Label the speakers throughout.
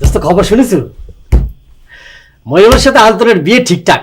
Speaker 1: তো খবর শুনেছ? ময়ূরের সাথে আন্তনের বিয়ে ঠিকঠাক।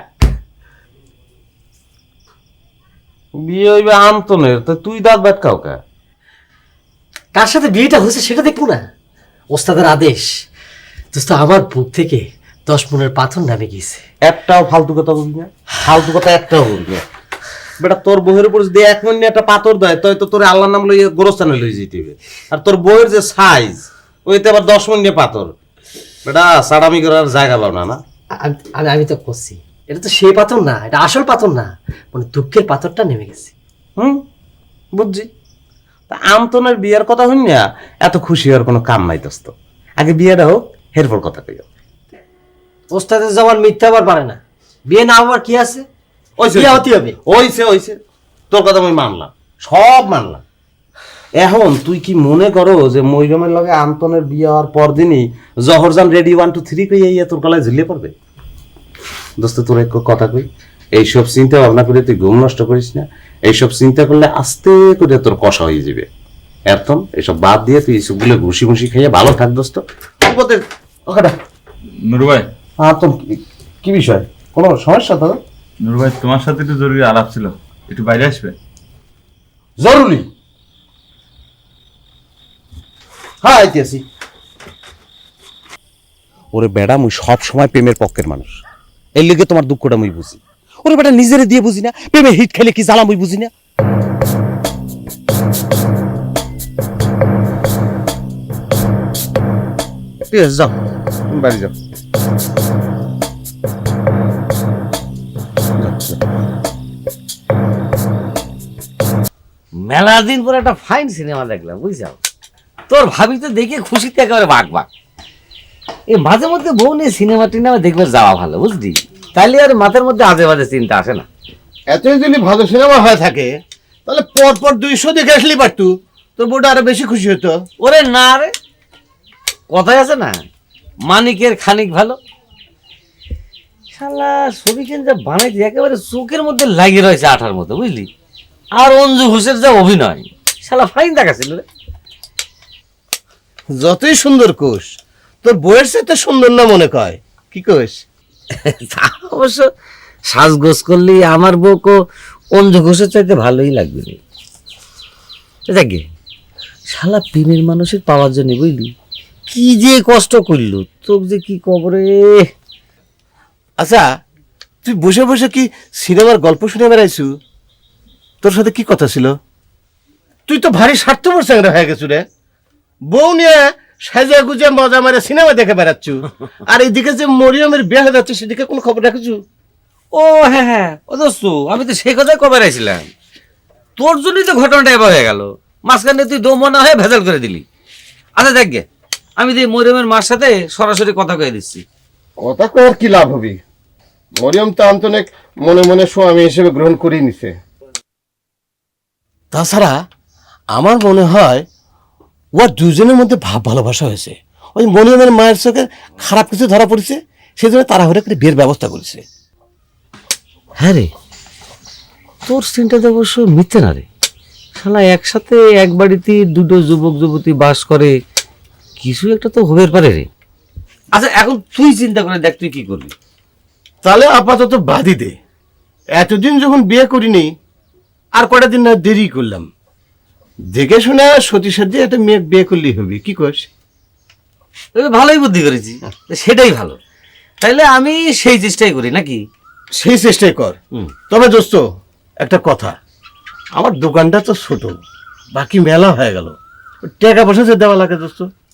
Speaker 2: বিয়ে হইবে আন্তনের, তো তুই দাঁত ব্যাট কাউকে?
Speaker 1: কার সাথে বিয়েটা হয়েছে সেটা দেখবো না? ওস্তাদের আদেশ। দোস্ত আমার বুক থেকে 10 মনের পাথর নামে গিয়েছে।
Speaker 2: একটাও ফালতু কথা বলবি না, ফালতু কথা একটাও বলবি না। বেটা তোর বউয়ের উপর যদি 1 মিনিট একটা পাথর দেয় তাই তো তোর আল্লাহর নাম লইয়ে গোরস্থানে লই যেতে হবে। আর তোর বউয়ের যে সাইজ, ওইতে আবার 10 মিনিট পাথর। বেটা সাড়ামি করার জায়গা পাও না। না
Speaker 1: আমি তো করছি, এটা তো সেই পাথর না, এটা আসল পাথর না, মানে দুঃখের পাথরটা নেমে গেছে।
Speaker 2: বুঝছি। তা আমতনের বিয়ের কথা হইন না, এত খুশি হওয়ার কোনো কাম নাই দোস্ত। আগে বিয়েটা হোক, এরপর কথা কইও।
Speaker 1: ওস্তাদের জবান মিথ্যা আবার পারে না। বিয়ে না হওয়ার কি আছে? বিয়ে হতে হবে।
Speaker 2: ওইছে তোর কথা আমি মানলাম, সব মানলাম। এখন তুই কি মনে করো যে মৈরমের লগে আন্তনের বিয়ে হওয়ার পর দিনই জহরজান রেডি 1 2 3 কইয়া তোর গলায় ঝুলিয়ে পড়বে? দোস্ত তোর এক কথা কই, এইসব চিন্তা ভাবনা করে তুই ঘুম নষ্ট করিস না। এইসব চিন্তা করলে আস্তে করে তোর কষা হয়ে যাবে। এখন এসব বাদ দিয়ে তুই এইসবগুলো ঘুষি ঘুষি খাইয়ে ভালো থাক দোস্ত।
Speaker 3: নুরু ভাই,
Speaker 2: তো কি বিষয়, কোনো সমস্যা? তো
Speaker 3: নুরু ভাই, তোমার সাথে একটু জরুরি আলাপ ছিল, একটু বাইরে আসবে?
Speaker 2: জরুরি? হ্যাঁ আইতেছি। ওরে বেড়া, মুই সব সময় প্রেমের পক্ষের মানুষ, এর লিগে তোমার দুঃখটা মুই বুঝি। ওরে বেটা নিজেরে দিয়ে বুঝি না, প্রেমের হিট খেলে কি জ্বালা মুই বুঝি না। ঠিক আছে, যাও তুমি বাড়ি যাও।
Speaker 4: মেলা দিন পর একটা ফাইন সিনেমা দেখলাম, বুঝছাও? তোর ভাবি তো দেখে খুশিতে একেবারে বাঘ। এই মাঝে মধ্যে বউ নিয়ে সিনেমা টিনেমা দেখবে যাওয়া ভালো, বুঝলি? তাইলে আর মাথার মধ্যে আজে বাজে চিন্তা আসে না।
Speaker 5: এতই যদি ভালো সিনেমা হয়ে থাকে তাহলে পর 200 দেখে আসলেই পারতু, তোর বউটা আরো বেশি খুশি হতো।
Speaker 4: ওরে না রে, কথাই আছে না, মানিকের খানিক ভালো। শালা ছবিখান যা বানাইছে একেবারে চোখের মধ্যে লাগিয়ে রয়েছে আঠার মতো, বুঝলি? আর অঞ্জু ঘোষের যা অভিনয়, শালা ফাইন দেখাছিল রে।
Speaker 5: যতই সুন্দর কোষ, তোর বউয়ের সাথে সুন্দর না মনে কয়, কি কোষ?
Speaker 4: তা অবশ্য সাজগোজ করলে আমার বউকে অঞ্জু ঘোষের চাইতে ভালোই লাগবে রে। দেখে শালা প্রেমের মানুষের পাওয়ার জন্য, বুঝলি, কি যে কষ্ট করলো, তোর যে কি কবরে।
Speaker 5: আচ্ছা, তুই বসে বসে কি সিনেমার গল্প শুনে বেড়াইছু? তোর সাথে কি কথা ছিল? তুই তো ভারী স্বার্থপর চ্যাংরা হয়ে গেছু রে। বউ নিয়ে সাজা গুজে মজা মারে সিনেমা দেখে বেড়াচ্ছু, আর এইদিকে যে মরিয়মের বিয়ে হয়ে যাচ্ছে সেদিকে কোনো খবর রাখছু?
Speaker 4: ও হ্যাঁ, ও দোস্ত, আমি তো সেই কথাই কবে রাখছিলাম। তোর জন্যই তো ঘটনাটা এবার হয়ে গেল, মাঝখানে তুই দমনা হয়ে ভেজাল করে দিলি। আচ্ছা দেখ গে, আমি যে মরিয়মের মার সাথে সরাসরি কথা কয়ে দিচ্ছি।
Speaker 5: কথা কয়ার কি লাভ হবে? মরিয়ম তো আন্তনেক মনে মনে স্বামী হিসেবে গ্রহণ করেই নিছে। তাছাড়া আমার মনে হয় ওর দুজনের মধ্যে ভাব ভালোবাসা হয়েছে। ওই মরিয়মের মায়ের চোখে খারাপ কিছু ধরা পড়েছে, সেই জন্য তাড়াহুড়ো করে বিয়ের ব্যবস্থা করেছে।
Speaker 4: হ্যাঁ রে, তোর চিন্তাটা অবশ্য মিথ্যে না রে। শালা একসাথে এক বাড়িতে দুটো যুবক যুবতী বাস করে, কিছু একটা তো হবের পারে রে। আচ্ছা এখন তুই চিন্তা করে দেখ, তুই কি করবি?
Speaker 5: তাহলে আপাতত বাদই দে। এতদিন যখন বিয়ে করিনি, আর কটা দিন না দেরি করলাম, দেখে শুনে সতী সাধ্যে একটা মেয়ে বিয়ে করলেই হবে, কি কস?
Speaker 4: ভালোই বুদ্ধি করেছি, সেটাই ভালো। তাইলে আমি সেই চেষ্টাই করি নাকি?
Speaker 5: সেই চেষ্টাই কর। তবে দোস্ত একটা কথা, আমার দোকানটা তো ছোট, বাকি মেলা হয়ে গেল, টাকা পয়সা যে দেওয়া লাগে দোস্ত।